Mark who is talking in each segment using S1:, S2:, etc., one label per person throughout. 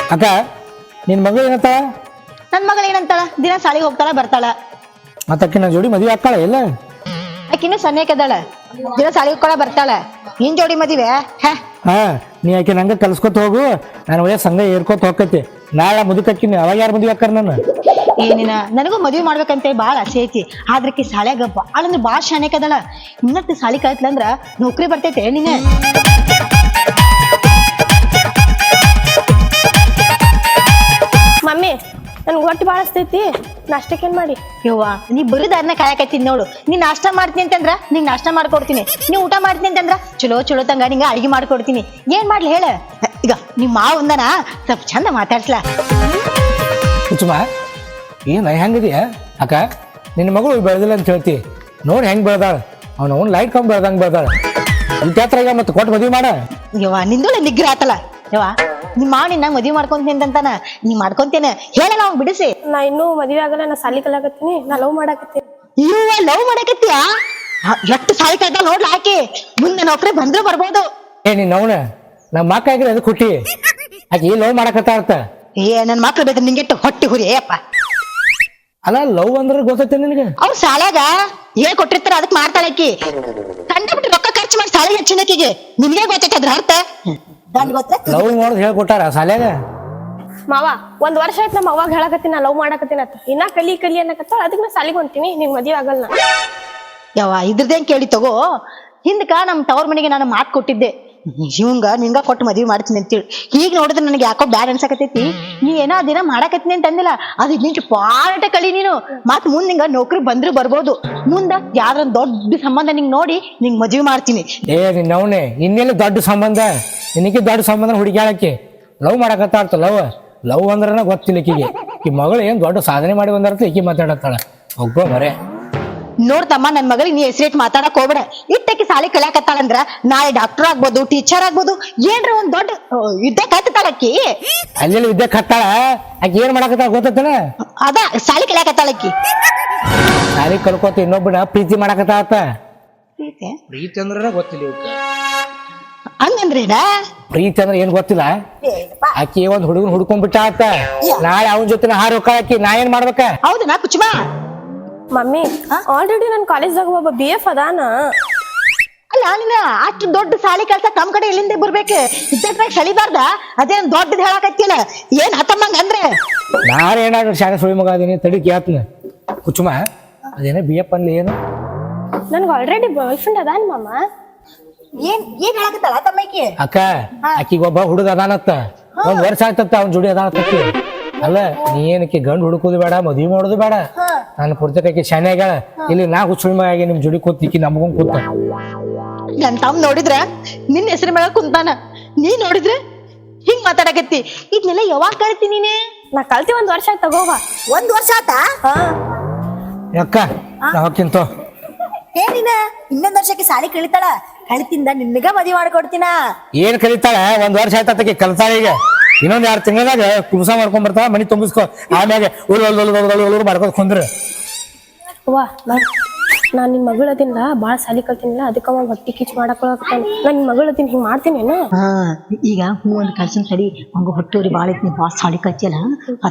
S1: ಅಕ್ಕ ನಿನ್ ಮಗಳು ಏನಂತ?
S2: ನನ್ ಮಗಳು ಏನಂತಾಳ? ದಿನ ಸಾಲಿಗೆ ಹೋಗ್ತಾಳ ಬರ್ತಾಳ.
S1: ಮತ್ತಕ್ಕೆ ನನ್ನ ಜೋಡಿ ಮದುವೆ ಆಗ್ತಾಳ ಇಲ್ಲ?
S2: ಆಕಿನ್ನು ಸನ್ನೆಕದಾಳ, ದಿನ ಸಾಲಿಗೆ ಹೋಗ್ತಾಳ ಬರ್ತಾಳ. ನಿನ್ ಜೋಡಿ ಮದುವೆ?
S1: ಹಾ, ನೀ ಆಕೆ ನಂಗೆ ಕಲ್ಸ್ಕೊತ ಹೋಗು, ನಾನು ಒಳ್ಳೆ ಸಂಘ ಏರ್ಕೋತ ಹೋಗ್ತೈತಿ. ನಾಳೆ ಮುದುಕಕ್ಕಿನಿ, ಅವಾಗ ಯಾರು ಮದುವೆ ಆಕ್ಕಾರ ನನ್ನ?
S2: ಏನಿನ ನನಗೂ ಮದುವೆ ಮಾಡ್ಬೇಕಂತ ಬಾಳ ಆಸೆ ಐತಿ. ಆದ್ರಕ್ಕೆ ಸಾಲ್ಯಾಗ ಬಾಳ ಅಂದ್ರೆ ಬಾಳ ಶಾನ್ಯಾಕದಾಳ. ಇನ್ನತ್ತು ಸಾಲಿ ಕಲ್ತ್ಲಂದ್ರ ನೌಕರಿ ಬರ್ತೈತೆ ನೀನೆ.
S3: ಮಮ್ಮಿ ನನ್ಗೆ ಹೊಟ್ಟೆ ಭಾಳ ಹಸ್ತೈತಿ, ನಾಷ್ಟಕ್ಕೇನ್ ಮಾಡಿ?
S2: ಯವ್ವ, ನೀ ಬರುದಾರನ ಕಾಯಕತ್ತೀನಿ ನೋಡು. ನೀ ನಾಷ್ಟ ಮಾಡ್ತೀನಿ ಅಂತಂದ್ರ ನಿಂಗೆ ನಾಷ್ಟ ಮಾಡ್ಕೊಡ್ತೀನಿ. ನೀ ಊಟ ಮಾಡ್ತೀನಿ ಅಂತಂದ್ರ ಚಲೋ ತಂಗ ನಿಂಗೆ ಅಡಿಗೆ ಮಾಡ್ಕೊಡ್ತೀನಿ. ಏನ್ ಮಾಡ್ಲಿ ಹೇಳ? ಈಗ ನಿಮ್ಮ ಮಾವ ಒಂದನ ಸ್ವಲ್ಪ ಚಂದ ಮಾತಾಡ್ಸ್ಲಾ.
S1: ಕುಚುಮ ಏನು ಹೆಂಗಿದೆಯ ಅಕ್ಕ? ನಿನ್ನ ಮಗಳು ಬೆಳೆದಿಲ್ಲ ಅಂತ ಹೇಳ್ತಿ, ನೋಡಿ ಹೆಂಗ್ ಬೆಳೆದಾಳ. ಅವ್ನು ಲೈಟ್ ಕಂಬ ಬೆಳ್ದಂಗೆ ಬೆಳೆದಾಳ. ಈಗ ಮತ್ತೆ ಕೊಟ್ಟು ಮದುವೆ ಮಾಡ.
S2: ಯವ್ವ ನಿಂದು ನಿಗ್ರಹ ಆತಲ್ಲ. ಯವ್ವ ನಿಮ್ಮ ಮಾವ ನಿನ್ನ ಮದುವೆ ಮಾಡ್ಕೊಂತೀನಿ ಅಂತಾನ. ನೀ ಮಾಡ್ಕೊಂತೇನೆ ಹೇಳಲ್ಲ ಅವ್ನ್ ಬಿಡಿಸಿ.
S3: ನಾ ಇನ್ನೂ ಮದುವೆ ಆಗಲ್ಲ, ನಾ ಸಾಲಿ ಕಲಿಯಾಕತ್ತೀನಿ, ನಾ ಲವ್ ಮಾಡಾಕತ್ತೀನಿ.
S2: ಇವ ಲವ್ ಮಾಡಕತ್ತೀಯ? ಎಷ್ಟು ಸಾಲಿ ಕಲ್ತ ನೋಡ್ಲ ಆಕಿ. ಮುಂದೆ ನೌಕರಿ ಬಂದ್ರು ಬರ್ಬೋದು.
S1: ನೀನ್ ಅವನ ನಮ್ಮ ಮಕ್ಕ ಆಗಿರ ಅದು ಕುಟ್ಟಿ ಆಕಿ ಲವ್ ಮಾಡಕತ್ತ ಅರ್ಥ.
S2: ನನ್ ಮಕ್ಳು ಬೇಕು ನಿಂಗೆಟ್ಟು ಹೊಟ್ಟಿ ಹುರಿ ಅಪ್ಪ.
S1: ಅಲ್ಲ ಲವ್ ಅಂದ್ರೆ ಗೊತ್ತೈತೆ ನಿನಗೆ?
S2: ಅವ್ರ ಶಾಲ್ಯಾಗ ಹೇಳ್ ಕೊಟ್ಟಿರ್ತಾರ, ಅದಕ್ ಮಾಡ್ತಾಳಕಿ. ಕಂಡಬಿಟ್ಟು ರೊಕ್ಕ ಖರ್ಚು ಮಾಡಿ ಶಾಲೆಗೆ ಹೆಚ್ಚಿನಕಿಗೆ. ನಿನ್ಗೆ ಗೊತ್ತೈತೆ ಅದ್ರ ಅರ್ಥ?
S1: ಲವ್ ಮಾಡೋದು ಹೇಳ್ಕೊಟ್ಟಾರ ಶಾಲ್ಯಾಗ?
S3: ಮಾವ ಒಂದ್ ವರ್ಷ ಆಯ್ತು ನಮ್ಮ ಅವಾಗ ಹೇಳಕತ್ತೀನಿ ನಾ ಲವ್ ಮಾಡಾಕತ್ತೀನಿ ಅಂತ. ಇನ್ನ ಕಲಿ ಅನ್ನಕತ್ತಾಳ, ಅದಕ್ಕೆ ನಾ ಸಾಲಿಗೆ ಹೊಂತೀನಿ, ನಿಂಗೆ ಮದುವೆ ಆಗಲ್ಲ.
S2: ಯಾವ ಇದ್ರದೇನ್ ಕೇಳಿ ತಗೋ. ಹಿಂದಕ ನಮ್ ತವ್ರ ಮನೆಗೆ ನಾನು ಮಾತು ಕೊಟ್ಟಿದ್ದೆ, ಇವಂಗ ನಿಂಗ ಕೊಟ್ಟು ಮದ್ವಿ ಮಾಡ್ತೀನಿ ಅಂತೇಳಿ. ಈಗ ನೋಡಿದ್ರೆ ನನಗೆ ಯಾಕೋ ಬ್ಯಾಡ್ ಅನ್ಸಕತೈತಿ. ನೀ ಏನೋ ದಿನ ಮಾಡಕತ್ತೀನಿ ಅಂತ ಅಂದಿಲ್ಲ, ಅದು ನಿಂಚು ಪಾಟ ಕಳಿ ನೀನು. ಮತ್ ಮುಂದ್ ನಿಂಗ ನೌಕರಿ ಬಂದ್ರು ಬರ್ಬೋದು. ಮುಂದ ಯಾವ್ದ್ರ ದೊಡ್ಡ ಸಂಬಂಧ ನಿಂಗ್ ನೋಡಿ ನಿಂಗ್ ಮದ್ವಿ ಮಾಡ್ತೀನಿ.
S1: ನಿನ್ನವನೇ ಇನ್ನೆಲ್ಲ ದೊಡ್ಡ ಸಂಬಂಧ, ನಿನಗೆ ದೊಡ್ಡ ಸಂಬಂಧ ಹುಡುಕ್ಯಾಳಕ್ಕೆ ಲವ್ ಮಾಡಕತ್ತ ಅರ್ಥ. ಲವ್ ಅಂದ್ರನ ಗೊತ್ತಿಲ್ಲ ಈಕಿಗೆ. ಈ ಮಗಳು ಏನ್ ದೊಡ್ಡ ಸಾಧನೆ ಮಾಡಿ ಬಂದರ್ಥ ಈಕಿ ಮಾತಾಡತ್ತಾಳ. ಒಬ್ಬ ಮರೆ
S2: ನೋಡ್ತಮ್ಮ, ನನ್ ಮಗಳಿಗೆ ನೀ ಹೆಸರಿಟ್ಟು ಮಾತಾಡಕ್ ಹೋಗ್ಬೇಡ. ಇಟ್ಟಕ್ಕೆ ಸಾಲಿ ಕಲಿಯಾಕತ್ತಾಳಂದ್ರ ನಾಳೆ ಡಾಕ್ಟರ್ ಆಗ್ಬೋದು, ಟೀಚರ್ ಆಗ್ಬೋದು, ಏನ್ರ ಒಂದ್ ದೊಡ್ಡ ವಿದ್ಯೆ ಕತ್ತಾಳಕ್ಕಿ.
S1: ಅಲ್ಲಿ ವಿದ್ಯೆ ಕತ್ತಾಳ. ಆಕಿ ಏನ್ ಮಾಡಕತ್ತಾಳ ಗೊತ್ತೈತನ?
S2: ಅದ ಸಾಲಿ ಕಲಿಯಾಕತ್ತಾಳಕ್ಕಿ.
S1: ಸಾಲಿ ಕಲ್ಕೋತ ಇನ್ನೊಬ್ಬನ ಪ್ರೀತಿ ಮಾಡಕತ್ತಾಳತ್ತ.
S2: ಪ್ರೀತಿ
S1: ಅಂದ್ರ ಗೊತ್ತಿಲ್ಲ
S2: ಹಂಗಂದ್ರೇನ?
S1: ಪ್ರೀತಿ ಅಂದ್ರೆ ಏನ್ ಗೊತ್ತಿಲ್ಲ. ಆಕಿ ಒಂದ್ ಹುಡುಗನ್ ಹುಡ್ಕೊಂಡ್ಬಿಟ್ಟ ಆತ. ನಾಳೆ ಅವನ ಜೊತೆ ಹಾರ ಹೋಗಾಕಿ, ನಾ ಏನ್ ಮಾಡ್ಬೇಕ?
S2: ಹೌದನಾ ಕುಚುಮಾ?
S3: ಮಮ್ಮಿ ಆಲ್ರೆಡಿ ನನ್ ಕಾಲೇಜ್ದಾಗ ಒಬ್ಬ BF ಅದಾನ.
S2: ಅಲ್ಲ ನೀನ ಅಷ್ಟು ದೊಡ್ಡ ಸಾಲಿ ಕೆಲ್ಸ ನಮ್ ಕಡೆ ಎಲ್ಲಿಂದ ಬರ್ಬೇಕು? ಇದ್ದಟ್ರಾಗ ಸಳಿಬಾರ್ದ? ಅದೇನ್ ದೊಡ್ಡದ್ ಹೇಳಕತ್ತಿಲ್ಲ. ಏನ್ ಹತ್ತಮ್ಮಂಗ ಅಂದ್ರೆ?
S1: ನಾಳೆ ಏನಾದ್ರು ಶಾಲೆ ಸುಳಿ ಮಗ ಅದೀನಿ ತಡಿ ಕೇಳ್ತೀನಿ. ಕುಚುಮ ಅದೇನ BF ಅನ್ಲಿ ಏನು?
S3: ನನ್ಗೆ ಆಲ್ರೆಡಿ ಬಾಯ್ ಫ್ರೆಂಡ್ ಅದಾನ ಮಾಮ.
S2: ಏನ್ ಹೇಳಕತ್ತಲ್ಲ ತಮ್ಮಕಿ?
S1: ಅಕ್ಕ ಆಕಿಗೆ ಒಬ್ಬ ಹುಡುಗ ಅದಾನತ್ತ. ಒಂದ್ ವರ್ಷ ಆಗ್ತತ್ತ ಅವ್ನ ಜೋಡಿ ಅದಾನತ್ತಕ್ಕಿ. ಅಲ್ಲ ನೀ ಏನಕ್ಕೆ ಗಂಡು ಹುಡುಕೋದು ಬೇಡ, ಮದ್ವಿ ಮಾಡೋದು ಬೇಡ. ನಾನು ಪುರ್ತಕಿ ಶಾನೆ ಆಗ್ಯಾಳ. ಇಲ್ಲಿ ನಾ ಹುಚ್ಚುಳಿ ಮಗ ಆಗಿ ನಿಮ್ ಜೋಡಿ ಕೂತಿಕ್ಕಿ ನಮಗೊಂದ್ ಕೂತ.
S2: ನನ್ ತಮ್ಮ ನೋಡಿದ್ರ ನಿನ್ನ ಹೆಸರು ಮ್ಯಾಗ ಕುಂತಾನ, ನೀ ನೋಡಿದ್ರ ಹಿಂಗ್ ಮಾತಾಡಕತ್ತಿ. ಇದನ್ನೆಲ್ಲ ಯಾವಾಗ ಕಳ್ತಿ ನೀನೆ?
S3: ನಾ ಕಲ್ತಿ 1 ವರ್ಷ ಆಯ್ತು ತಗೋವ.
S2: 1 ವರ್ಷ ಆತ?
S1: ಅಕ್ಕ ನಾ ಹೋಗ್ಕಿಂತ
S2: ಏನಿನ ಇನ್ನೊಂದ್ ವರ್ಷಕ್ಕೆ ಸಾಲಿ ಕಳಿತಾಳ. ಕಳಿತಿಂದ ನಿನ್ಗ ಮದ್ವಿ ಮಾಡ್ಕೊಡ್ತೀನ.
S1: ಏನ್ ಕಲಿತಾಳ? 1 ವರ್ಷ ಆಯ್ತಕ್ಕೆ ಕಲ್ತಾಳ. ಈಗ ಇನ್ನೊಂದ್ 2 ತಿಂಗಳಾಗ ಕುಂಸ ಮಾಡ್ಕೊಂಡ್ ಬರ್ತಾಳ. ಮನಿ ತುಂಬಿಸ್ಕೊ. ಆಮ್ಯಾಗ ಉಳು ಮಾಡ್ಕೊಂಡ್ ಕುಂದ್ರ.
S3: ವಾ ನಾನ್ ನಿನ್ ಮಗಳದಿಲ್ಲ, ಬಾಳ ಸಾಲಿ ಕಲ್ತಿನಿಲ್ಲ, ಅದಕ್ಕ ಅವ ಹೊಟ್ಟಿ ಕಿಚ್ ಮಾಡಕೊಳಕತ್ತಾನ. ನಾನ್ ನಿನ್ ಮಗಳದಿನ್ ಹಿಂಗ್ ಮಾಡ್ತೀನಿ.
S2: ಈಗ ಹೂ ಒಂದ್ ಕಳ್ಸಿನ ಸರಿ ಹಂಗ ಹೊಟ್ಟೂರಿ ಬಾಳ ಐತಿ. ಬಾ ಸಾಲಿ ಕಚ್ಚಲ್ಲ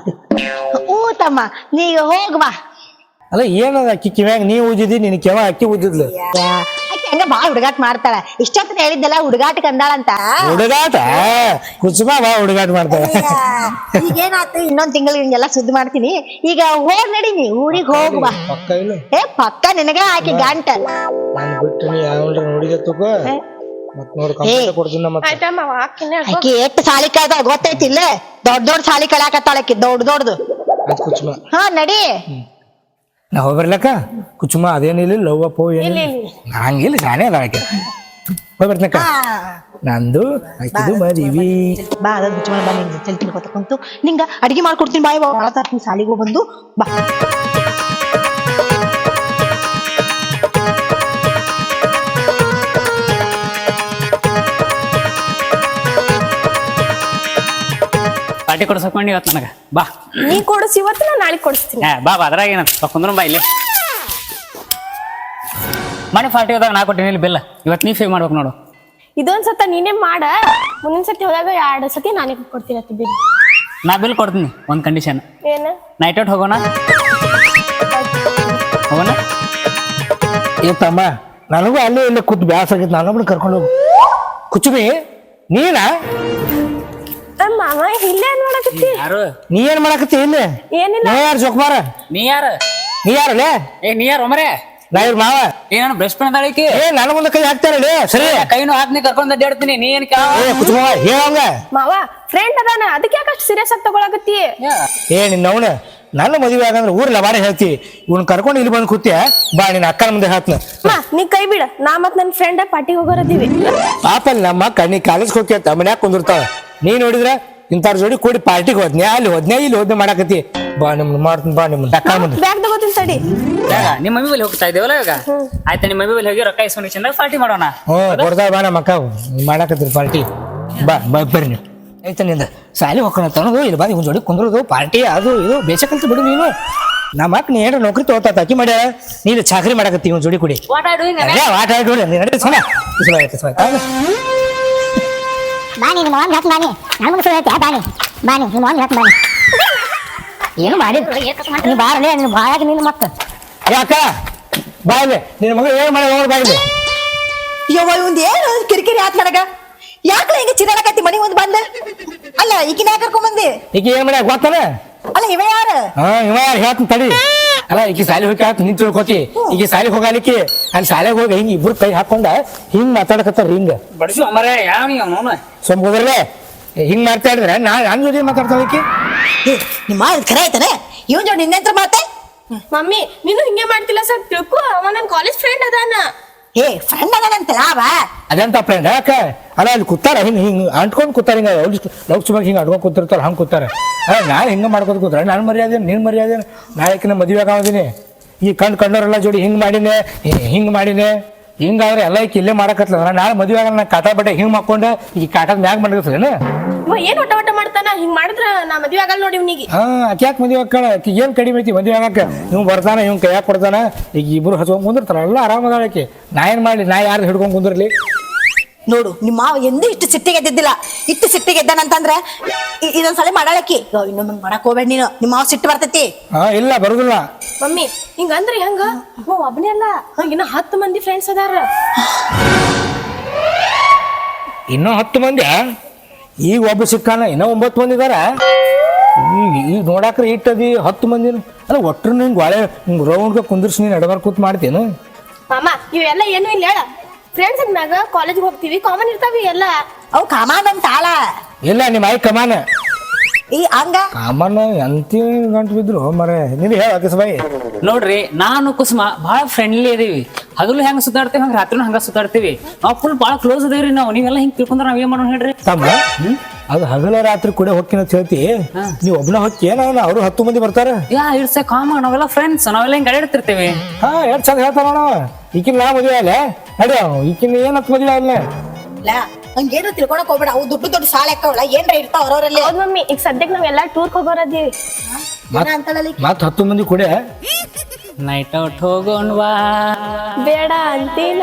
S2: ಹೂ ತಮ್ಮ, ನೀ ಹೋಗ್ವಾ.
S1: ಅಲ್ಲ ಏನದ ಅಕ್ಕಿ ಕಿವ್ಯಾಗ ನೀ ಉಜ್ಜಿದಿ, ನಿನ್ ಕೆವ ಅಕ್ಕಿ ಉಜ್ಜಿದ್ಲು.
S2: ಆಕಿ ಹಂಗ ಬಾಳ ಹುಡುಗಾಟ ಮಾಡ್ತಾಳ. ಇಷ್ಟೊತ್ತ ಹೇಳಿದ್ದಲ್ಲ ಹುಡುಗಾಟಕ್ಕೆ ಅಂದಾಳಂತ.
S1: ಹುಡುಗಾಟ ಕುಸುಮ ಬಾ ಹುಡುಗಾಟ ಮಾಡ್ತಾಳ.
S2: ಈಗೇನಾತು, ಇನ್ನೊಂದ್ ತಿಂಗಳು ಹಿಂಗೆಲ್ಲ ಸುದ್ದಿ ಮಾಡ್ತೀನಿ. ಈಗ ಹೋಗ್ ನಡಿ, ನೀ ಊರಿಗೆ ಹೋಗ್ವಾ. ಏ ಪಕ್ಕ ನಿನಗ ಆಕಿ ಗಂಟ ಆಕಿ ಎಷ್ಟ್ ಸಾಲಿ ಕಳ್ದ ಗೊತ್ತೈತಿಲ್ಲ? ದೊಡ್ಡ ಸಾಲಿ ಕಳ್ಯಾಕತ್ತಾಳಕಿ, ದೊಡ್ಡದು. ಹಾ ನಡಿ.
S1: ನಾ ಹೋಗ್ಬರ್ಲಕ್ಕ ಕುಚುಮ. ಅದೇನಿಲ್ಲ ಲವ್ ಅಪ್ಪೋ ಏನು ಹಂಗಿಲ್ಲ, ಶಾನೆ ಅದ ಆಕೆ. ಹೋಗ್ಬರ್ತನಕ್ಕ. ನಂದು ಆಕಿದು ಮದ್ವಿ.
S2: ಬಾ ಅದ ಕುಚುಮ ಬಾ, ನಿಂಗೆ ಚಲ್ ತಿನ್ಕೋತ ಕುಂತು ನಿಂಗ ಅಡಿಗೆ ಮಾಡ್ಕೊಡ್ತೀನಿ. ಬಾಯ್ ಬಾಳ ಸಾಲಿಗೂ ಬಂದು ಬಾ.
S4: ಪಾರ್ಟಿ ಕೊಡ್ಸಕೊಂಡಿ ಇವತ್ತು ನನಗೆ. ಬಾ
S3: ನೀ ಕೊಡಿಸಿ, ಇವತ್ತು ನಾ ನಾಳೆ ಕೊಡಿಸ್ತೀನಿ.
S4: ಬಾ ಅದ್ರಾಗ ಏನಂತ ಕುಂದ್ರ ಬಾ. ಇಲ್ಲಿ ಮನೆ ಪಾರ್ಟಿ ಹೋದಾಗ ನಾ ಕೊಟ್ಟಿನಿ ಇಲ್ಲಿ ಬಿಲ್ಲ. ಇವತ್ತು ನೀ ಫೇ ಮಾಡ್ಬೇಕು ನೋಡು.
S3: ಇದೊಂದ್ ಸತ ನೀನೇ ಮಾಡ, ಮುಂದಿನ ಸತಿ ಹೋದಾಗ 2 ಸತಿ ನಾನೇ ಕೊಡ್ತೀನಿ.
S4: ನಾ ಬಿಲ್ ಕೊಡ್ತೀನಿ ಒಂದು ಕಂಡೀಷನ್.
S3: ಏನ
S4: ನೈಟ್ ಔಟ್ ಹೋಗೋಣ ಹೋಗೋಣ.
S1: ಏ ತಮ್ಮ ನನಗೂ ಅಲ್ಲೇ ಇಲ್ಲೇ ಕೂತ್ ಬ್ಯಾಸ ಆಗಿತ್ತು, ನಾನೊಬ್ಬನ ಕರ್ಕೊಂಡು ಹೋಗು. ಕುಚುಬಿ ನೀನಾ?
S3: ಮಾವ ಇಲ್ಲೇ ಏನ್ ಮಾಡಕತ್ತಿ?
S4: ಯಾರು
S1: ನೀ ಏನ್ ಮಾಡಕತ್ತಿ ಇಲ್ಲಿ?
S3: ಏನಿಲ್ಲ.
S1: ನೀ ಯಾರು ಜೋಕ್ಮಾರ?
S4: ನೀ ಯಾರು?
S1: ನೀ ಯಾರಲ್ಲೇ?
S4: ನೀ ಯಾರು ಒಮರೆ?
S1: ನಾ ಇವ್ರ ಮಾವ.
S4: ನಾನು ಬ್ರಷ್ ಪೆನ್ ಅದಾಳಿಕೆ.
S1: ನನ್ನ ಮುಂದೆ ಕೈ ಹಾಕ್ತಾರಲ್ಲೇ ಸರಿ.
S4: ಕೈನು ಹಾಕ್ನಿ ಕರ್ಕೊಂಡ್ ಅಡ್ಡಾಡ್ತೀನಿ. ನೀ ಏನ್
S1: ಕುಚುಬ ಹೇಳಂಗ.
S3: ಮಾವ ಫ್ರೆಂಡ್ ಅದಾನ, ಅದಕ್ಕೆ ಯಾಕಷ್ಟು ಸೀರಿಯಸ್ ಆಗಿ ತಗೊಳಕತ್ತಿ?
S1: ನಿನ್ನವನ ನನ್ನ ಮದುವೆ ಆಗಂದ್ರೆ ಊರ್ ಲವಾಡೆ ಹೇಳ್ತಿ, ಇವ್ನ ಕರ್ಕೊಂಡು ಇಲ್ಲಿ ಬಂದು ಕೂತಿಯ ಬಾ, ನಿನ್ನ ಅಕ್ಕನ ಮುಂದೆ ಹಾಕ್ನ.
S3: ನೀ ಕೈ ಬಿಡ, ನಾ ಮತ್ ನನ್ ಫ್ರೆಂಡ್ ಪಾರ್ಟಿಗೆ ಹೋಗೋರದೀವಿ.
S1: ಪಾಪಲ್ಲಿ ನಮ್ಮ ಅಕ್ಕ ನೀ ಕಾಲೇಜ್ ಹೋಗ್ತಿ ಮನ್ಯಾಗ ಕುಂದಿರ್ತಾವ, ನೀ ನೋಡಿದ್ರ ಇಂಥವ್ರ ಜೋಡಿ ಕೂಡಿ ಪಾರ್ಟಿಗೆ ಹೋದ್ನೆ, ಅಲ್ಲಿ ಹೋದ್ನೆ ಇಲ್ಲಿ ಹೋದ್ನೆ ಮಾಡಕತ್ತಿ. ಬಾ ನಿಮ್ನ ಮಾಡ್ತೀನಿ, ಬಾ ನಿಮ್ನ ಅಕ್ಕ ಮುಂದೆ.
S3: ಬ್ಯಾಗ್ ತಗೋತೀನಿ ತಡಿ.
S4: ನಿಮ್ಮ ಮಮ್ಮಿ ಬಲ್ಲಿ ಹೋಗ್ತಾ ಇದ್ದೇವಲ್ಲ ಇವಾಗ. ಆಯ್ತಾ ನಿಮ್ಮ ಮಮ್ಮಿ ಬಲ್ಲಿ ಹೋಗಿ ರೊಕ್ಕ ಇಸ್ಕೊಂಡು ಚಂದಾಗ ಪಾರ್ಟಿ ಮಾಡೋಣ.
S1: ಕೊಡ್ತಾ ಬಾ ನಮ್ಮ ಅಕ್ಕ ಮಾಡಕತ್ತೀರಿ ಪಾರ್ಟಿ. ಬಾ ಬಾ ಬರ್ರಿ ನೀವು. ಆಯ್ತಾ ನಿಂದ ಸಾಲಿ ಹೋಗೋಣ ತನದು ಇಲ್ಲಿ ಬಂದು ಇವ್ನ ಜೋಡಿ ಕುಂದ್ರದು ಪಾರ್ಟಿ ಅದು ಇದು ಬೇಸಕಲ್ತು ಬಿಡು ನೀನು. ನಮ್ಮ ಅಕ್ಕ ನೀ ಏನಾರ ನೌಕರಿ ತಗೋತಾ ಅಕ್ಕಿ ಮಾಡ್ಯಾಳ, ನೀನು ಚಾಕರಿ ಮಾಡಕತ್ತಿ ಇವ್ನ ಜೋಡಿ ಕುಡಿ.
S4: What are doing?
S1: ಆಟ ಆಡಿ ನೀ ನಡಿ ಸುಮ್ಮನೆ
S5: ಬಾನಿ ನಿಮ್ಮ ಮಾವನ್ ಹೇಳ್ತೀನಿ ಬಾನಿ, ನಾನು ಮುಂದೆ ಹೇಳ್ತೀಯ ಬಾನಿ ಬಾನಿ ನಿಮ್ಮ ಮಾವನ್ ಹೇಳ್ತೀನಿ ಬಾನಿ. ಏನು ಮಾಡಿ ನೀ ಬಾರಲೇ, ನೀನು ಬಾಯಾಗಿ ನೀನು ಮತ್ತೆ
S1: ಯಾಕ ಬಾಯ್ಲೆ ನಿನ್ನ ಮಗಳು ಏನ್ ಮಾಡಿ ನೋಡಿ ಬಾಯ್ಲೆ.
S2: ಯವ್ವ ಇವಂದ್ ಏನು ಕಿರಿಕಿರಿ ಆತ್ ನನಗ? ಯಾಕಲ ಹಿಂಗ ಚಿರಾಡಕತ್ತಿ ಮನಿ ಮುಂದ್ ಬಂದ? ಅಲ್ಲ ಈಕಿನ ಯಾಕೆ ಕರ್ಕೊಂಡ್ ಬಂದಿ?
S1: ಈಗ ಏನ್ ಮಾಡ್ಯಾಕ ಗೊತ್ತಾನ?
S2: ಅಲ್ಲ ಇವ ಯಾರ?
S1: ಇವ ಯಾರು ಹೇಳ್ತೀನಿ ತಡಿ. ಅಲ್ಲ ಈಕಿ ಸಾಲಿ ಹೋಗಿ ಆತ ನಿಂತು ತಿಳ್ಕೊತಿ, ಈಗ ಸಾಲಿಗೆ ಹೋಗಾಲಿಕ್ಕೆ ಅಲ್ಲಿ ಶಾಲೆಗೆ ಹೋಗಿ ಹಿಂಗ ಇಬ್ರು ಕೈ ಹಾಕೊಂಡ ಹಿಂಗ್ ಮಾತಾಡಕತ್ತಾರ ಹಿಂಗ.
S4: ಬಡಿಸು ಅಮರೆ ಯಾವ ನೀವು
S1: ಸೊಂಬ ಹೋದ್ರಲ್ಲೇ ಹಿಂಗ್ ಮಾಡ್ತಾ ಇದ್ರೆ ನನ್ ಜೊತೆ ಮಾತಾಡ್ತಾಳಕಿ.
S2: ನಿಮ್ಮ ಖರೆ ಆಯ್ತಾನೆ ಇವನ್ ಜೋಡಿ ನಿನ್ನೆಂತ್ರ ಮಾತೆ?
S3: ಮಮ್ಮಿ ನೀನು ಹಿಂಗೆ ಮಾಡ್ತಿಲ್ಲ ಸರ್, ತಿಳ್ಕೊ. ಅವ ನನ್ ಕಾಲೇಜ್ ಫ್ರೆಂಡ್ ಅದಾನ.
S2: ಫ್ರೆಂಡ್ ಅದಾನಂತ ಲಾಭ
S1: ಅದಂತ ಫ್ರೆಂಡ್ ಯಾಕ? ಅಲ್ಲ ಅಲ್ಲಿ ಕೂತಾರ ಹಿಂಗ್ ಹಿಂಗ್ ಅಂಟ್ಕೊಂಡ್ ಕೂತಾರ, ಹಿಂಗ ಲೌಕ್ಸಭಾಗ ಹಿಂಗ ಅಡ್ಕೊಂಡ್ ಕೂತಿರ್ತಾರ ಹಂಗ ಕೂತಾರ. ನಾಳೆ ಹಿಂಗ ಮಾಡ್ಕೋತ ಕೂತಾರ, ನಾನು ಮರ್ಯಾದೆ ನಿನ್ ಮರ್ಯಾದೆ. ನಾಳೆಕಿನ ಮದುವೆ ಆಗೋದಿನಿ, ಈ ಕಂಡವರೆಲ್ಲ ಜೋಡಿ ಹಿಂಗ್ ಮಾಡಿನೇ ಹಿಂಗ್ ಮಾಡಿನೇ ಹಿಂಗಾದ್ರೆ ಎಲ್ಲ ಈಕಿ ಇಲ್ಲೇ ಮಾಡಕತ್ಲ. ನಾಳೆ ಮದುವೆ ಆಗ ನಾ ಕಾಟ ಬಟ್ಟೆ ಹಿಂಗ್ ಮಾಡ್ಕೊಂಡೆ ಈ ಕಾಟದ ಮ್ಯಾಗ ಮಾಡಿರ್ತೇನೆ.
S3: ಇವ ಏನ್ ಒಟ್ಟ ಒಟ್ಟ ಮಾಡ್ತಾನ? ಹಿಂಗ್ ಮಾಡಿದ್ರ ನಾ ಮದ್ವೆ ಆಗಲ್ಲ ನೋಡಿ ಇವ್ನಿಗೆ.
S1: ಆಕೆ ಯಾಕೆ ಮದುವೆ ಆಕಳ? ಆಕಿ ಏನ್ ಕಡಿಮೆ ಐತಿ ಮದುವೆ ಆಗಕ್ಕೆ? ಇವ್ ಬರ್ತಾನ ಇವ್ ಕೈಯಾಗ ಕೊಡ್ತಾನ, ಈಗ ಇಬ್ರು ಹಚ್ಕೊಂಡ್ ಕುಂದಿರ್ತಾರ, ಎಲ್ಲ ಆರಾಮದಾಳ ಆಕಿ. ನಾ ಏನ್ ಮಾಡ್ಲಿ, ನಾ ಯಾರು ಹಿಡ್ಕೊಂಡ್ ಕುಂದಿರ್ಲಿ?
S2: ನೋಡು ನಿಮ್ಮ ಮಾವ ಎಂದೂ ಇಷ್ಟು ಸಿಟ್ಟಿಗೆ ಎದ್ದಿದ್ದಿಲ್ಲ. ಇಷ್ಟು ಸಿಟ್ಟಿಗೆ ಎದ್ದಾನಂತಂದ್ರ ಇದೊಂದ್ಸಲ ಮಾಡಾಳಕ್ಕಿ. ಇನ್ನೊಮ್ಮೆ ಮಾಡಕ್ ಹೋಗ್ಬೇಡ ನೀನು, ನಿಮ್ಮ ಮಾವ ಸಿಟ್ಟು ಬರ್ತೈತಿ.
S1: ಇಲ್ಲ ಬರುದಿಲ್ಲ.
S3: ಮಮ್ಮಿ ಹಿಂಗಂದ್ರೆ ಹೆಂಗ? ಒಬ್ಬನೇ ಅಲ್ಲ, ಇನ್ನ 10 ಮಂದಿ ಫ್ರೆಂಡ್ಸ್ ಅದಾರ.
S1: ಇನ್ನೂ 10 ಮಂದಿ? ಈಗ ಒಬ್ಬ ಸಿಕ್ಕಾನ, ಇನ್ನೂ 9 ಮಂದಿ ಇದಾರ. ಈಗ ನೋಡಾಕ್ರೆ ಇಟ್ಟದಿ 10 ಮಂದಿ. ಅಲ್ಲ ಒಟ್ರು ಹಿಂಗ್ ಒಳೆ ಹಿಂಗ್ ರೌಂಡ್ಗೆ ಕುಂದಿರ್ಸಿ ನೀನ್ ಎಡಬಾರ್ ಕೂತ್ ಮಾಡ್ತೇನು?
S3: ಮಾಮ ಇವೆಲ್ಲ ಏನು ಇಲ್ಲ ಹೇಳ. ಫ್ರೆಂಡ್ಸ್ ಅಂದಾಗ ಕಾಲೇಜ್ ಹೋಗ್ತೀವಿ, ಕಾಮನ್ ಇರ್ತಾವಿ ಎಲ್ಲ.
S2: ಅವು ಕಾಮಾನ್ ಅಂತ ಆಳ
S1: ಇಲ್ಲ ನಿಮ್ಮ ಆಯ್ ಕಮಾನ
S2: ಈ ಹಂಗ
S1: ಕಾಮನ್ ಎಂತಿ ಗಂಟು ಬಿದ್ರು ಮರೆ. ನೀನು ಹೇಳ ಬಾಯಿ.
S4: ನೋಡ್ರಿ ನಾನು ಕುಸುಮ ಬಹಳ ಫ್ರೆಂಡ್ಲಿ ಇದೀವಿ. ಹಗಲು ಹೆಂಗ ಸುತ್ತಾಡ್ತೀವಿ ಹಂಗ ರಾತ್ರಿನೂ ಹಂಗ ಸುತ್ತಾಡ್ತೀವಿ. ನಾವು ಫುಲ್ ಬಹಳ ಕ್ಲೋಸ್ ಅದೇವ್ರಿ ನಾವು. ನೀವೆಲ್ಲ ಹಿಂಗ್ ತಿಳ್ಕೊಂಡ್ರ ನಾವ್ ಏನ್ ಮಾಡೋಣ ಹೇಳ್ರಿ?
S1: ತಮ್ಮ ಅದು ಹಗಲ ರಾತ್ರಿ ಕೂಡ ಹೊಕ್ಕಿನ ಹೇಳ್ತಿ, ನೀವ್ ಒಬ್ನ ಹೊಕ್ಕಿ ಏನ ಅವ್ರು 10 ಮಂದಿ ಬರ್ತಾರ.
S4: ಇಟ್ಸ್ ಎ ಕಾಮನ್, ನಾವೆಲ್ಲ ಫ್ರೆಂಡ್ಸ್, ನಾವೆಲ್ಲ ಹಿಂಗ್ ಅಡ್ಯಾಡ್ತಿರ್ತೀವಿ.
S1: ಎಷ್ಟ್ ಚಂದ ಹೇಳ್ತಾರ ನಾವು. ಈಕಿನ ನಾ ಮದುವೆ ಅಲ್ಲ ನಡಿ, ಈಕಿನ ಏನತ್ ಮದುವೆ ಅಲ್ಲ.
S2: ಹಂಗೇನು ತಿಳ್ಕೊಳಕ್ ಹೋಗ್ಬೇಡ. ಅವು ದೊಡ್ಡ ದೊಡ್ಡ ಸಾಲ ಹಾಕವಲ್ಲ ಏನ್ರ ಇರ್ತಾವ ಅವ್ರವ್ರಲ್ಲಿ.
S3: ಹೌದ್ ಮಮ್ಮಿ, ಈಗ ಸದ್ಯಕ್ಕೆ ನಾವೆಲ್ಲ ಟೂರ್ ಹೋಗೋರದೀವಿ.
S1: ಮತ್ 10 ಮಂದಿ ಕೂಡ
S4: ನೈಟ್ ಔಟ್ ಹೋಗೋಣವಾ?
S3: ಬೇಡ ಅಂತೀನ.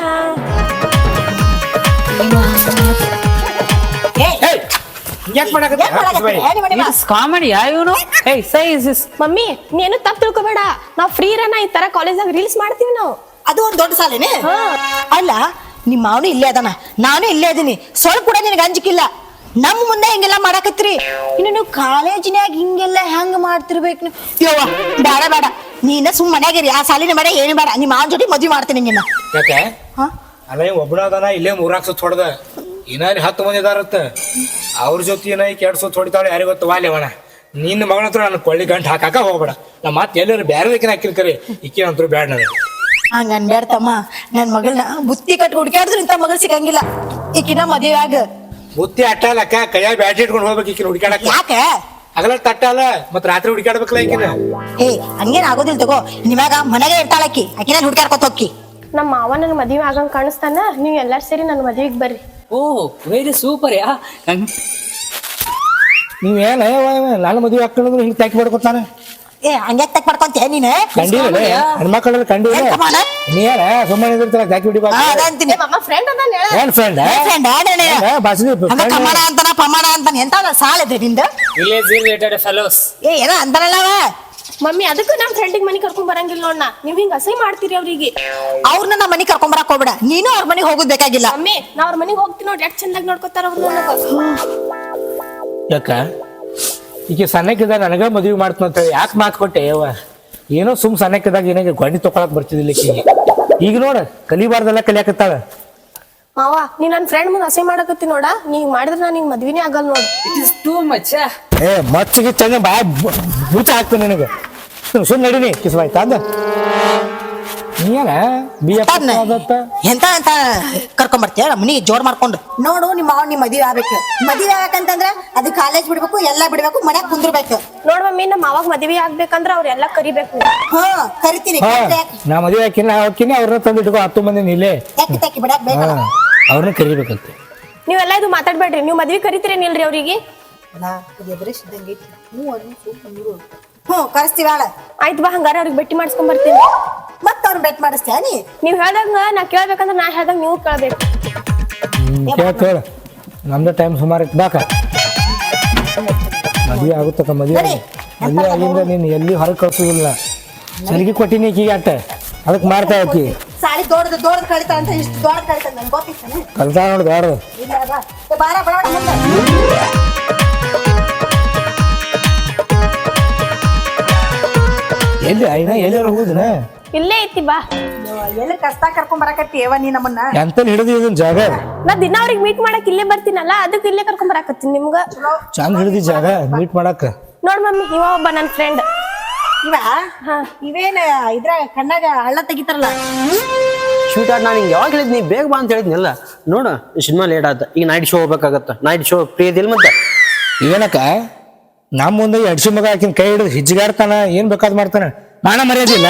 S4: ಕಾಮಿಡಿ ಇವನು.
S3: ಮಮ್ಮಿ ನೀನು ತಪ್ಪು ತಿಳ್ಕೊಬೇಡ, ನಾವ್ ಫ್ರೀ ಇರೋಣ, ಈ ತರ ಕಾಲೇಜಾಗ ರೀಲ್ಸ್ ಮಾಡ್ತೀವಿ ನಾವು.
S2: ಅದು ಒಂದ್ ದೊಡ್ಡ ಸಾಲೇನೆ. ಅಲ್ಲ ನಿಮ್ಮ ಮಾವನು ಇಲ್ಲೇ ಅದಾನ, ನಾನು ಇಲ್ಲೇ ಅದೀನಿ. ಸ್ವಲ್ಪ ಕೂಡ ನಿನಗೆ ಅಂಜಿಕಿಲ್ಲ. ನಮ್ಮ ಮುಂದೆ ಹಿಂಗೆಲ್ಲ ಮಾಡಾಕತ್ರಿ. ಇನ್ನು ನೀವು ಕಾಲೇಜಿನ್ಯಾಗ ಹಿಂಗೆಲ್ಲ ಹೆಂಗ್ ಮಾಡ್ತಿರ್ಬೇಕು ನೀವು? ಯವ್ವ ಬೇಡ ಬೇಡ, ನೀನ ಸುಮ್ ಮನ್ಯಾಗಿರಿ. ಆ ಸಾಲಿನ ಬೇಡ ಏನು ಬೇಡ. ನಿಮ್ಮ ಮಾವನ ಜೊತೆ ಮದ್ವಿ ಮಾಡ್ತೀನಿ ನಿನ್ನ.
S1: ಯಾಕೆ? ಅಲ್ಲ ಒಬ್ಬನ ಅದಾನ ಇಲ್ಲೇ 3 ಸುತ್ತ ಹೊಡೆದ, ಇನ್ನ 10 ಮಂದಿ ಇದಾರತ್ತ. ಅವ್ರ ಜೊತೆ ಏನ ಕೆಡ್ ಸುತ್ತ ಹೊಡಿತಾಳೆ ಯಾರಿಗೆ ಗೊತ್ತು? ವಾಲ್ಯವಣ ನಿನ್ನ ಮಗನ ಹತ್ರ ನಾನು ಕೊಳ್ಳಿ ಗಂಟು ಹಾಕಾಕ ಹೋಗ್ಬೇಡ. ನಾ ಮತ್ತೆ ಎಲ್ಲರೂ ಬೇರೆ ಹಾಕಿರ್ಕರಿ, ಈಕಿನಂತೂ ಬೇಡ ನನಗೆ.
S2: ಹಂಗ ಅನ್ಬೇಡ್ತಮ್ಮ. ನನ್ ಮಗಳನ್ನ ಬುತ್ತಿ ಕಟ್ಟಿ ಹುಡುಕಾಡಿದ್ರು ಇಂಥ ಮಗಳು ಸಿಗಂಗಿಲ್ಲ. ಈಕಿನ ಮದುವೆ ಆಗ
S1: ಬುತ್ತಿ ಅಟ್ಟಲಕ್ಕ ಕೈಯಾಗ ಬ್ಯಾಟ್ರಿ ಇಟ್ಕೊಂಡು ಹೋಗ್ಬೇಕು ಈಕಿನ ಹುಡುಕಾಡಕ.
S2: ಯಾಕೆ?
S1: ಆಗಲ ತಟ್ಟಲ್ಲ ಮತ್ ರಾತ್ರಿ ಹುಡುಕಾಡ್ಬೇಕಲ್ಲ ಈಕಿನ.
S2: ಹಂಗೇನ್ ಆಗೋದಿಲ್ಲ ತಗೋ. ನಿಮ್ಯಾಗ ಮನೆಗೆ ಇರ್ತಾಳಕ್ಕಿ, ಆಕಿನ ಹುಡುಕಾಡ್ಕೊತ ಹೋಕ್ಕಿ.
S3: ನಮ್ಮ ಮಾವ ನನ್ನ ಮದ್ವೆ ಆಗಂಗ್ ಕಾಣಿಸ್ತಾನ. ನೀವ್ ಎಲ್ಲಾರು ಸೇರಿ ನನ್ನ ಮದ್ವಿಗೆ ಬರ್ರಿ.
S4: Oh very super yeah.
S1: ನೀವೇನ ನಾನು ಮದುವೆ ಹಾಕೊಂಡ್ರು ಹಿಂಗೆ ತಾಕಿ ಮಾಡ್ಕೊತಾನೆ.
S2: ಏ ಹಂಗ್ಯಾಕ್ ತಕ್ ಮಾಡ್ಕೊಂತೀಯ ನೀನು
S1: ಕಂಡಿಲ್ಲ ಹೆಣ್ಮಕ್ಳಲ್ಲಿ ಕಂಡಿಲ್ಲ ನೀ ಏನ ಸುಮ್ಮನೆ ಇರ್ತಿಲ್ಲ ಜಾಕಿ ಬಿಡಿ
S2: ಅದಂತೀನಿ
S3: ಮಾಮ ಫ್ರೆಂಡ್ ಅದಾನ ಹೇಳ
S1: ಏನ್ ಫ್ರೆಂಡ್ ಬಾಸ್ನಿ
S2: ಕಮಾನ ಅಂತಾನ ಪಮಾನ ಅಂತಾನ ಎಂತ ಸಾಲ ಇದೆ ನಿಂದ
S4: ವಿಲೇಜ್ ರಿಲೇಟೆಡ್ ಫೆಲೋಸ್
S2: ಏ ಏನೋ ಅಂತಾನಲ್ಲ ಅವ
S3: ಮಮ್ಮಿ ಅದಕ್ಕೆ ನಮ್ ಫ್ರೆಂಡಿಗೆ ಮನಿ ಕರ್ಕೊಂಡ್ ಬರಂಗಿಲ್ಲ ನೋಡ್ನ ನೀವ್ ಹಿಂಗ ಅಸಹ್ಯ ಮಾಡ್ತೀರಿ ಅವ್ರಿಗೆ
S2: ಅವ್ರನ್ನ ನಮ್ಮ ಮನೆಗೆ ಕರ್ಕೊಂಬರಕ್ ಹೋಗ್ಬೇಡ ನೀನು ಅವ್ರ ಮನೆಗೆ ಹೋಗೋದ್ ಬೇಕಾಗಿಲ್ಲ
S3: ಮಮ್ಮಿ ನಾ ಅವ್ರ ಮನಿಗ್ ಹೋಗ್ತೀನಿ ನೋಡ್ರಿ ಎಷ್ಟ್ ಚಂದಾಗಿ ನೋಡ್ಕೊತಾರ ಅವ್ರು ನನಗ
S1: ಯಾಕ ಈಗ ಸಣ್ಣಕ್ಕಿದ್ದ ನನಗ ಮದುವೆ ಮಾಡ್ತಂತ ಯಾಕೆ ಮಾತು ಕೊಟ್ಟೆ ಯವ್ವ ಏನೋ ಸುಮ್ ಸಣ್ಣಕ್ಕಿದ್ದಾಗ ಏನಾಗ ಗೊಂಡಿ ತೊಗೊಳಕ್ ಬರ್ತಿದ್ದಿಲ್ಲ ಈಕಿಗೆ ಈಗ ನೋಡ ಕಲಿಬಾರ್ದೆಲ್ಲ ಕಲಿಯಾಕತ್ತಾಳ
S3: ಮಾವ ನೀ ನನ್ ಫ್ರೆಂಡ್ ಮುಂದೆ ಅಸಹ್ಯ ಮಾಡಕತ್ತಿ ನೋಡ ನೀ ಮಾಡಿದ್ರೆ ನಾನು ನಿಂಗೆ ಮದ್ವಿನೇ ಆಗಲ್ಲ ನೋಡು
S4: ಇಟ್ ಇಸ್ ಟೂ ಮಚ್.
S1: ಏ ಮಚ್ಚಿಗೆ ಚಂದ ಬಾ ಬುಚ್ಚ ಹಾಕ್ತೀನಿ ನಿನಗೆ ಸುಮ್ ನಡೀನಿ ಕಿಸ್ವಾಯ್ತಾ ಅಂದ ನೀನ
S2: ಎಂತ ಅಂತ ಕರ್ಕೊಂಬರ್ತೀಯ ಮನಿಗೆ ಜೋರ್ ಮಾಡ್ಕೊಂಡು ನೋಡು ನಿಮ್ಮ ಅವ್ನ ನಿಮ್ ಮದುವೆ ಆಗ್ಬೇಕು ಮದುವೆ ಆಗ್ಬೇಕಂತಂದ್ರ ಅದು ಕಾಲೇಜ್ ಬಿಡ್ಬೇಕು ಎಲ್ಲಾ ಬಿಡ್ಬೇಕು ಮನ್ಯಾಗ ಕುಂದಿರ್ಬೇಕು
S3: ನೋಡ್ ಮಮ್ಮಿ ನಮ್ಮ ಮಾವಾಗ ಮದ್ವಿ ಆಗ್ಬೇಕಂದ್ರ ಅವ್ರೆಲ್ಲಾ ಕರಿಬೇಕು
S2: ಹಾ ಕರಿತೀನಿ
S1: ನಾ ಮದುವೆ ಹಾಕಿನ ಹಾಕಿನಿ ಅವ್ರನ್ನ ತಂದಿಟ್ಕೋ 10 ಮಂದಿ ನೀಲೇ
S2: ತೆಕ್ಕಿ ತೆಕ್ಕಿ ಬಿಡಕ್ ಬೇಕಲ್ಲ
S1: ಅವ್ರನ್ನ ಕರಿಬೇಕಂತೆ
S3: ನೀವೆಲ್ಲ ಇದು ಮಾತಾಡ್ಬೇಡ್ರಿ ನೀವು ಮದ್ವಿ ಕರಿತೀರೇನಿಲ್ರಿ ಅವ್ರಿಗೆ
S2: ಹ್ಮ್ ಕರೆಸ್ತೀವಿ ಆಳ
S3: ಆಯ್ತು ಬಾ ಹಂಗಾರ ಅವ್ರಿಗೆ ಭೇಟಿ ಮಾಡಿಸ್ಕೊಂಡ್ ಬರ್ತೀನಿ
S2: ಮತ್ತ ಅವ್ರನ್ನ ಬೆಟ್ ಮಾಡಿಸ್ತೀಯ ನೀ
S3: ನೀವ್ ಹೇಳ್ದಂಗ ನಾ ಕೇಳ್ಬೇಕಂದ್ರ ನಾ ಹೇಳ್ದಂಗ ನೀವು ಕೇಳ್ಬೇಕು
S1: ಕೇಳ ನಮ್ದು ಟೈಮ್ ಸುಮಾರು ಇತ್ತು ಬಾಕ ಮದುವೆ ಆಗುತ್ತಕ್ಕ ಮದುವೆ ಆಗಿಂದ ನೀನು ಎಲ್ಲಿ ಹೊರಗೆ ಕಳ್ಸೋದಿಲ್ಲ ಸರಿಗೆ ಕೊಟ್ಟಿನಿ ಈಕಿಗೆ ಅಟ್ಟ ಅದಕ್ಕೆ ಮಾಡ್ತಾ ಹೋಗಿ
S2: ಸಾಲಿ ದೊಡ್ಡದು ಕಳಿತಾ ಅಂತ ಇಷ್ಟು ದೊಡ್ಡ ಕಳಿತ ನನ್ಗೆ ಗೊತ್ತಿತ್ತಾನೆ
S1: ಕಲ್ತಾ ನೋಡ್ದು ಯಾರು
S2: ಇಲ್ಲ ಬಾ ಬಾರ ಬಡ
S1: ಎಲ್ಲಿ ಐನ ಎಲ್ಲಾರು ಹೋಗುದಿನ
S3: ಇಲ್ಲೇ ಐತಿ ಬಾ
S2: ಎಲ್ಲಿ ಕಷ್ಟ ಕರ್ಕೊಂಡ್ ಬರಕತ್ತಿ ನೀ ನಮ್ಮನ್ನ
S1: ಎಂತಲ್ಲಿ ಹಿಡಿದು ಇದನ್ ಜಾಗ
S3: ನಾ ದಿನ ಅವ್ರಿಗೆ ಮೀಟ್ ಮಾಡಕ್ ಇಲ್ಲೇ ಬರ್ತೀನಲ್ಲ ಅದಕ್ಕೆ ಇಲ್ಲೇ ಕರ್ಕೊಂಡ್ ಬರಾಕತ್ತೀನಿ ನಿಮ್ಗ
S1: ಚಂದ ಹಿಡಿದಿ ಜಾಗ ಮೀಟ್ ಮಾಡಕ್ಕ
S3: ನೋಡ್ ಮಮ್ಮಿ ಇವ ಒಬ್ಬ ನನ್ ಫ್ರೆಂಡ್
S2: ಇವ ಇವೇನ ಇದ್ರ ಕಣ್ಣಾಗ ಹಳ್ಳ ತೆಗಿತಾರಲ್ಲ
S6: ಶೂಟ್ ಆಡ್ ನಾನು ಹಿಂಗೆ ಯಾವಾಗ ಹೇಳಿದ್ನಿ ಬೇಗ ಬಾ ಅಂತ ಹೇಳಿದ್ನಲ್ಲ ನೋಡು ಸಿನಿಮಾ ಲೇಟ್ ಆತ ಈಗ ನೈಟ್ ಶೋ ಹೋಗ್ಬೇಕಾಗತ್ತ ನೈಟ್ ಶೋ ಫ್ರೀ ಇದಿಲ್ಲ ಮತ್ತೆ
S1: ಏನಕ್ಕ ನಮ್ಮ ಮುಂದೆ ಅಡ್ಸಿ ಮಗ ಆಕಿನ ಕೈ ಹಿಡಿದು ಹಿಜ್ಜಿಗಾಡ್ತಾನ ಏನ್ ಬೇಕಾದ್ ಮಾಡ್ತಾನ ಮಾನ ಮರ್ಯಾದಿಲ್ಲ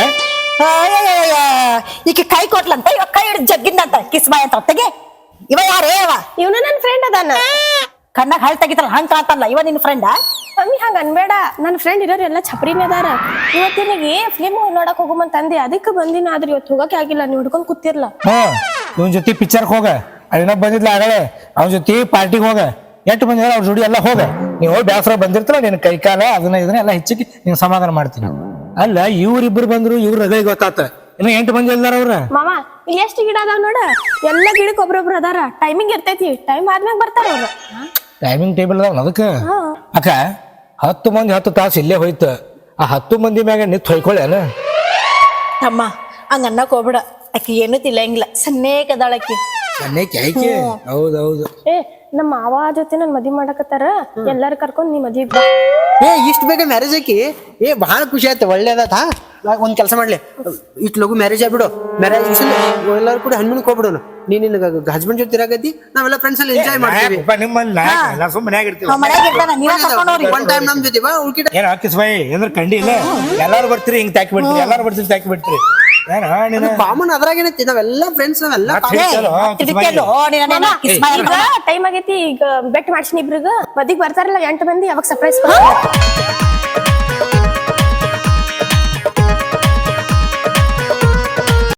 S2: ಈಕೆ ಕೈ ಕೊಟ್ಲಂತ ಇವ ಕೈ ಹಿಡಿದು ಜಗ್ಗಿಂದಂತ ಕಿಸ್ ಬಾಯ್ ಅಂತ ತೆಗೆ ಇವ ಯಾರೇ ಇವ
S3: ಇವನು ನನ್ ಫ್ರೆಂಡ್ ಅದಾನ
S2: ಕಣ್ಣಾಗ ಹಳ್ಳ ತೆಗಿತಾರಲ್ಲ ಹಂಗ ಕಾಣ್ತಾನಲ್ಲ ಇವ ನಿನ್ ಫ್ರೆಂಡ್
S3: ಮಮ್ಮಿ ಹಂಗ ಅನ್ಬೇಡ ನನ್ನ ಫ್ರೆಂಡ್ ಇರೋರು ಎಲ್ಲ ಛಪ್ರಿನೇ ಅದಾರ ಇವತ್ತಿನಿಗೆ ಫಿಲ್ಮ್ ನೋಡಕ್ ಹೋಗುಮಂತ ಅಂದೆ ಅದಕ್ಕೆ ಬಂದಿನ ಆದ್ರೆ ಇವತ್ತು ಹೋಗಕ್ಕೆ ಆಗಿಲ್ಲ ನೀವು ಹಿಡ್ಕೊಂಡ್ ಕೂತಿರ್ಲ
S1: ಇವನ್ ಜೊತೆ ಪಿಕ್ಚರ್ಗೆ ಹೋಗ ಅದೇನೋ ಬಂದಿದ್ಲ ಆಗಲೇ ಅವನ ಜೊತೆ ಪಾರ್ಟಿಗೆ ಹೋಗ ಎಷ್ಟು ಬಂದಿಲ್ಲ ಅವ್ರ ಜೋಡಿ ಎಲ್ಲ ಹೋಗ ನೀವು ಹೋಗಿ ಬ್ಯಾಸರ ಬಂದಿರ್ತಾರ ನಿನ್ ಕೈ ಕಾಲ ಅದನ್ನ ಇದನ್ನ ಎಲ್ಲ ಹೆಚ್ಚಿಗೆ ನೀನ್ ಸಮಾಧಾನ ಮಾಡ್ತೀನಿ ಅಲ್ಲ ಇವ್ರಿಬ್ರು ಬಂದ್ರು ಇವ್ರ ರಗೈ ಗೊತ್ತಾತ ಇನ್ನು 8 ಮಂದಿ ಅಲ್ದಾರ ಅವ್ರ
S3: ಮಾಮ ಇಲ್ಲಿ ಎಷ್ಟು ಗಿಡ ಅದಾವ ನೋಡ ಎಲ್ಲ ಗಿಡಕ್ಕೆ ಒಬ್ರೊಬ್ರು ಅದಾರ ಟೈಮಿಂಗ್ ಇರ್ತೈತಿ ಟೈಮ್ ಆದ್ಮ್ಯಾಗ ಬರ್ತಾರ ಅವ್ರ
S1: ಟೈಮಿಂಗ್ ಟೇಬಲ್ ಅದಾವ ಅದಕ್ಕ ಅಕ್ಕ 10 ಮಂದಿ 10 ತಾಸು ಇಲ್ಲೇ ಹೋಯ್ತು ಆ 10 ಮಂದಿ ಮ್ಯಾಗ ನಿತ್ ಹೊಯ್ಕೊಳ್ಳೇನ
S2: ಅಮ್ಮ ಹಂಗ ಅನ್ನಕ್ ಹೋಗ್ಬಿಡ ಆಕಿ ಏನು ತಿಳಂಗಿಲ್ಲ ಸನ್ನೇಕದಾಳಕಿ
S1: ಹೌದೌದು
S3: ಏ ನಮ್ಮ ಮಾವ ಜೊತೆ ನನ್ ಮದ್ವಿ ಮಾಡಕತ್ತಾರ ಎಲ್ಲಾರು ಕರ್ಕೊಂಡ್ ನೀ ಮದ್ವಿಗ್ ಬಾ
S6: ಏ ಇಷ್ಟು ಬೇಗ ಮ್ಯಾರೇಜ್ ಆಕಿ ಏ ಭಾಳ ಖುಷಿ ಆಯ್ತು ಒಳ್ಳೇದಾತ ಒಂದ್ ಕೆಲಸ ಮಾಡ್ಲಿ ಇಷ್ಟು ಲಗು ಮ್ಯಾರೇಜ್ ಆಗ್ಬಿಡು ಮ್ಯಾರೇಜ್ ಎಲ್ಲರೂ ಕೂಡ ಹನ್ಮೂನ್ಗೆ ಹೋಗ್ಬಿಡೋಣ ನಿನ್ನ ಹಸ್ಬೆಂಡ್ ಜೊತೆ ಇರಾಕತ್ತಿ ನಾವೆಲ್ಲ ಫ್ರೆಂಡ್ಸ್ ಎಲ್ಲ ಎಂಜಾಯ್ ಮಾಡ್ತೀವಿ
S1: ಮನ್ಯಾಗ ಇರ್ತೀವಿ
S2: ಮನ್ಯಾಗ ಇರ್ತಾನ ನೀವ ಕರ್ಕೊಂಡ್ ಹೋಗ್ರಿ
S6: ಒನ್ ಟೈಮ್ ನಮ್ ಜೊತೆ ಬಾ ಉಳ್ಕಿಟ
S1: ಏನ್ ಹಾಕಿಸ್ ಬಾಯಿ ಏನ್ರ ಕಂಡಿ ಇಲ್ಲ ಎಲ್ಲಾರು ಬರ್ತೀರಿ ಹಿಂಗ್ ತಾಕಿ ಬಿಡ್ತೀರಿ ಎಲ್ಲಾರು ಬರ್ತೀರಿ ತಾಕಿ ಬಿಡ್ತೀರಿ
S6: ಕಾಮನ್ ಅದ್ರಾಗೇನೈತಿ ನಾವೆಲ್ಲ ಫ್ರೆಂಡ್ಸ್ ನಾವೆಲ್ಲ
S3: ಟೈಮ್ ಆಗೈತಿ ಈಗ ಬೆಟ್ ಮಾಡ್ಸಿನಿ ಇಬ್ರಿಗ ಮದ್ವಿಗ್ ಬರ್ತಾರಲ್ಲ 8 ಮಂದಿ ಅವಾಗ ಸರ್ಪ್ರೈಸ್